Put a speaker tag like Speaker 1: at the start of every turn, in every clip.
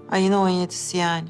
Speaker 1: Ayın 17'si yani.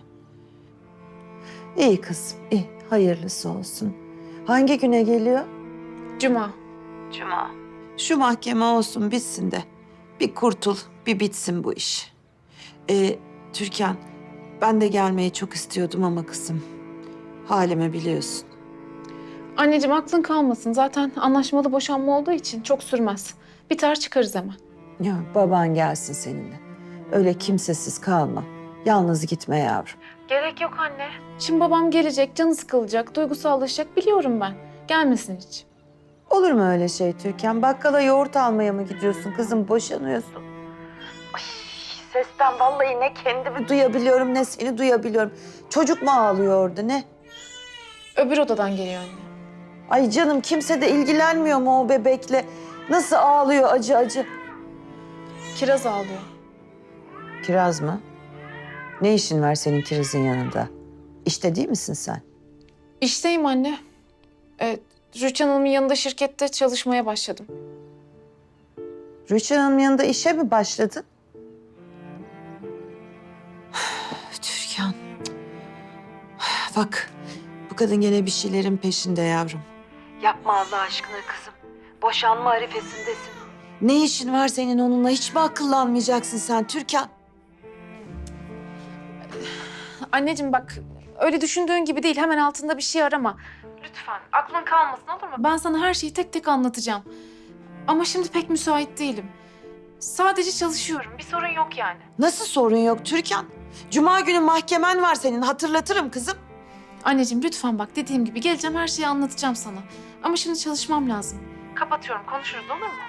Speaker 1: İyi kızım, iyi. Hayırlısı olsun. Hangi güne geliyor?
Speaker 2: Cuma.
Speaker 1: Cuma. Şu mahkeme olsun, bitsin de. Bir kurtul, bir bitsin bu iş. Türkan, ben de gelmeyi çok istiyordum ama kızım. Halimi biliyorsun.
Speaker 2: Anneciğim aklın kalmasın. Zaten anlaşmalı boşanma olduğu için çok sürmez. Biter çıkarız hemen.
Speaker 1: Ya baban gelsin seninle. Öyle kimsesiz kalma. Yalnız gitme yavrum.
Speaker 2: Gerek yok anne. Şimdi babam gelecek, canı sıkılacak, duygusallaşacak biliyorum ben. Gelmesin hiç.
Speaker 1: Olur mu öyle şey Türkan? Bakkala yoğurt almaya mı gidiyorsun kızım? Boşanıyorsun. Ay, sesten vallahi ne kendimi duyabiliyorum ne seni duyabiliyorum. Çocuk mu ağlıyor orada ne?
Speaker 2: Öbür odadan geliyor anne.
Speaker 1: Ay canım kimse de ilgilenmiyor mu o bebekle? Nasıl ağlıyor acı acı?
Speaker 2: Kiraz ağlıyor.
Speaker 1: Kiraz mı? Ne işin var senin Kiraz'ın yanında? İşte değil misin sen?
Speaker 2: İşteyim anne. Rüçhan Hanım'ın yanında şirkette çalışmaya başladım.
Speaker 1: Rüçhan Hanım'ın yanında işe mi başladın? Türkan. Bak bu kadın gene bir şeylerin peşinde yavrum. Yapma Allah aşkına kızım. Boşanma arifesindesin. Ne işin var senin onunla? Hiç mi akıllanmayacaksın sen Türkan?
Speaker 2: Anneciğim bak öyle düşündüğün gibi değil. Hemen altında bir şey arama. Lütfen aklın kalmasın olur mu? Ben sana her şeyi tek tek anlatacağım. Ama şimdi pek müsait değilim. Sadece çalışıyorum. Bir sorun yok yani.
Speaker 1: Nasıl sorun yok Türkan? Cuma günü mahkemen var senin. Hatırlatırım kızım.
Speaker 2: Anneciğim lütfen bak dediğim gibi geleceğim her şeyi anlatacağım sana. Ama şimdi çalışmam lazım. Kapatıyorum konuşuruz olur mu?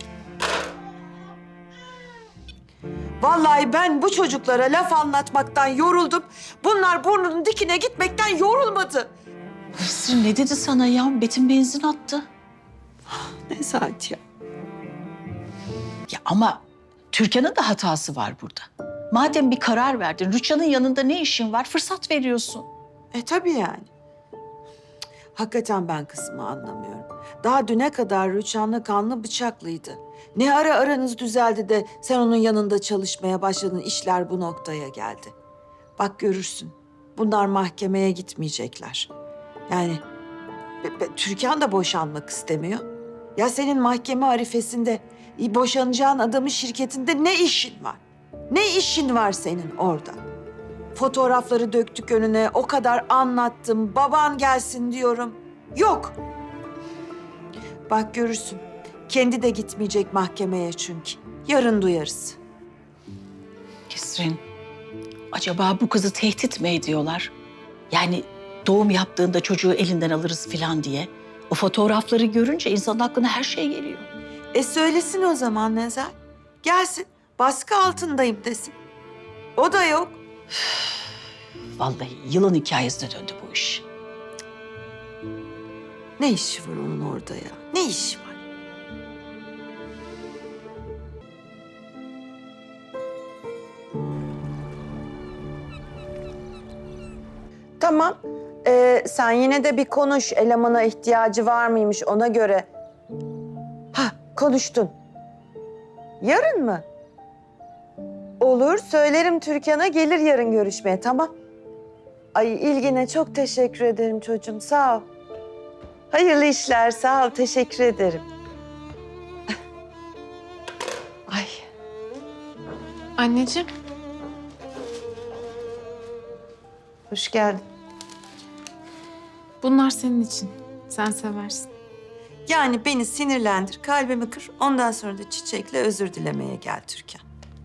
Speaker 1: Vallahi ben bu çocuklara laf anlatmaktan yoruldum. Bunlar burnunun dikine gitmekten yorulmadı.
Speaker 3: Nesrin ne dedi sana ya? Betim benzin attı.
Speaker 1: Nezahat ya.
Speaker 3: Ya ama Türkan'ın da hatası var burada. Madem bir karar verdin, Rüçhan'ın yanında ne işin var? Fırsat veriyorsun.
Speaker 1: Tabii yani. Hakikaten ben kızımı anlamıyorum. Daha düne kadar Rüçhan'la kanlı bıçaklıydı. Ne ara aranız düzeldi de sen onun yanında çalışmaya başladın, işler bu noktaya geldi. Bak görürsün, bunlar mahkemeye gitmeyecekler. Yani Türkan da boşanmak istemiyor. Ya senin mahkeme arifesinde boşanacağın adamın şirketinde ne işin var? Ne işin var senin orada? Fotoğrafları döktük önüne, o kadar anlattım, baban gelsin diyorum. Yok. Bak görürsün, kendi de gitmeyecek mahkemeye çünkü. Yarın duyarız.
Speaker 3: Nesrin, acaba bu kızı tehdit mi ediyorlar? Yani doğum yaptığında çocuğu elinden alırız falan diye. O fotoğrafları görünce insanın aklına her şey geliyor.
Speaker 1: Söylesin o zaman Nezel. Gelsin, baskı altındayım desin. O da yok.
Speaker 3: Vallahi yılan hikayesine döndü bu iş.
Speaker 1: Ne işi var onun orada ya? Ne işi var? Tamam. Sen yine de bir konuş. Elemana ihtiyacı var mıymış ona göre. Ha, konuştun. Yarın mı? Olur, söylerim Türkan'a gelir yarın görüşmeye, tamam. Ay ilgine çok teşekkür ederim çocuğum, sağ ol. Hayırlı işler, sağ ol, teşekkür ederim. Ay,
Speaker 2: Anneciğim.
Speaker 1: hoş geldin.
Speaker 2: Bunlar senin için. Sen seversin.
Speaker 1: Yani beni sinirlendir, kalbimi kır. Ondan sonra da çiçekle özür dilemeye gel Türkan.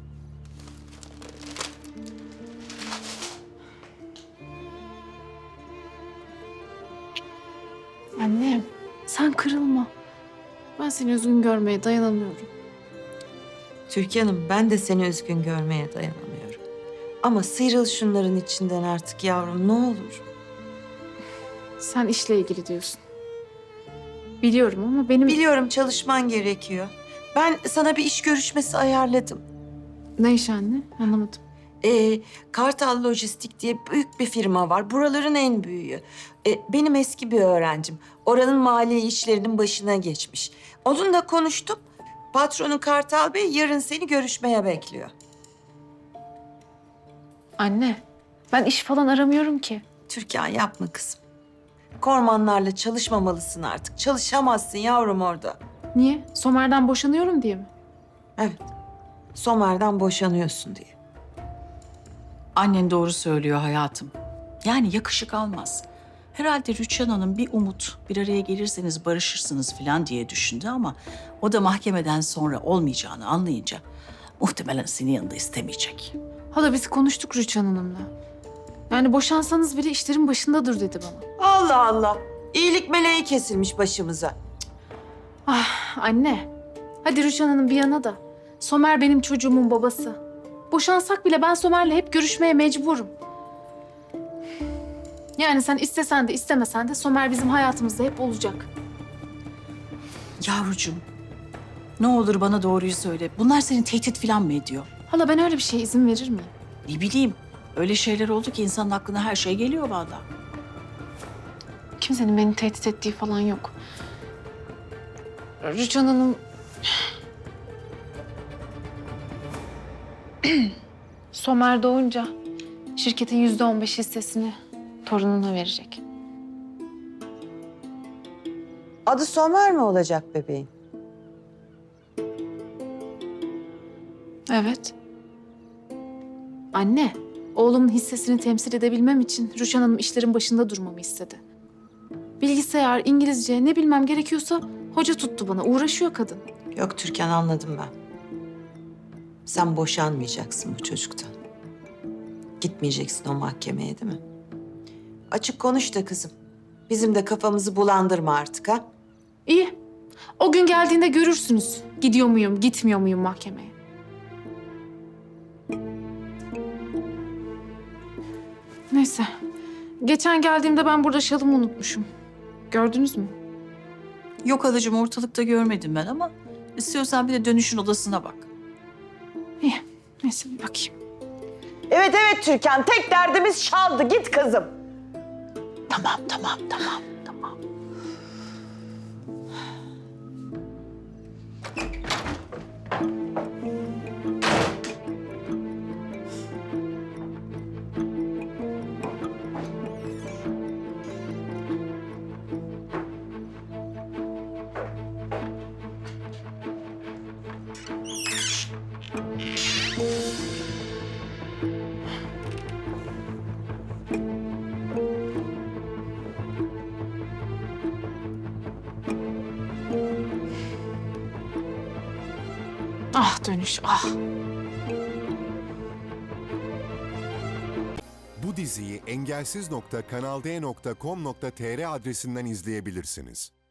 Speaker 2: Annem sen kırılma. Ben seni üzgün görmeye dayanamıyorum.
Speaker 1: Türkan'ım ben de seni üzgün görmeye dayanamıyorum. Ama sıyrıl şunların içinden artık yavrum ne olur.
Speaker 2: Sen işle ilgili diyorsun. Biliyorum ama benim...
Speaker 1: Biliyorum çalışman gerekiyor. Ben sana bir iş görüşmesi ayarladım.
Speaker 2: Ne iş anne? Anlamadım.
Speaker 1: Kartal Lojistik diye büyük bir firma var. Buraların en büyüğü. Benim eski bir öğrencim. Oranın mali işlerinin başına geçmiş. Onunla konuştum. Patronu Kartal Bey yarın seni görüşmeye bekliyor.
Speaker 2: Anne, ben iş falan aramıyorum ki.
Speaker 1: Türkan yapma kızım. Kormanlarla çalışmamalısın artık. Çalışamazsın yavrum orada.
Speaker 2: Niye? Somer'den boşanıyorum diye mi?
Speaker 1: Evet. Somer'den boşanıyorsun diye.
Speaker 3: Annen doğru söylüyor hayatım. Yani yakışık almaz. Herhalde Rüçhan Hanım bir umut, bir araya gelirseniz barışırsınız falan diye düşündü ama o da mahkemeden sonra olmayacağını anlayınca muhtemelen senin yanında istemeyecek.
Speaker 2: Hala biz konuştuk Rüçhan Hanım'la. Yani boşansanız bile işlerin başındadır dedi bana.
Speaker 1: Allah Allah. İyilik meleği kesilmiş başımıza.
Speaker 2: Ah anne. Hadi Rüçhan Hanım bir yana da. Somer benim çocuğumun babası. Boşansak bile ben Somer'le hep görüşmeye mecburum. Yani sen istesen de istemesen de Somer bizim hayatımızda hep olacak.
Speaker 3: Yavrucuğum, ne olur bana doğruyu söyle. Bunlar seni tehdit falan mı ediyor?
Speaker 2: Hala ben öyle bir şeye izin verir miyim?
Speaker 3: Ne bileyim, öyle şeyler oldu ki insanın aklına her şey geliyor vallahi.
Speaker 2: Kimsenin beni tehdit ettiği falan yok. Rüçhan Hanım... Somer doğunca şirketin %15 hissesini torununa verecek.
Speaker 1: Adı Somer mi olacak bebeğin?
Speaker 2: Evet. Anne, oğlumun hissesini temsil edebilmem için Rüçhan Hanım işlerin başında durmamı istedi. Bilgisayar, İngilizce ne bilmem gerekiyorsa hoca tuttu bana. Uğraşıyor kadın.
Speaker 1: Yok Türkan, anladım ben. Sen boşanmayacaksın bu çocuktan. Gitmeyeceksin o mahkemeye, değil mi? Açık konuş da kızım. Bizim de kafamızı bulandırma artık ha.
Speaker 2: İyi. O gün geldiğinde görürsünüz. Gidiyor muyum, gitmiyor muyum mahkemeye. Neyse. Geçen geldiğimde ben burada şalımı unutmuşum. Gördünüz mü?
Speaker 3: Yok halacığım, ortalıkta görmedim ben ama istiyorsan bir de dönüşün odasına bak.
Speaker 2: İyi. Neyse bir bakayım.
Speaker 1: Evet evet Türkan, tek derdimiz şaldı. Git kızım.
Speaker 3: Tamam.
Speaker 2: Ah dönüş, ah.
Speaker 4: Bu diziyi engelsiz.kanalde.com.tr adresinden izleyebilirsiniz.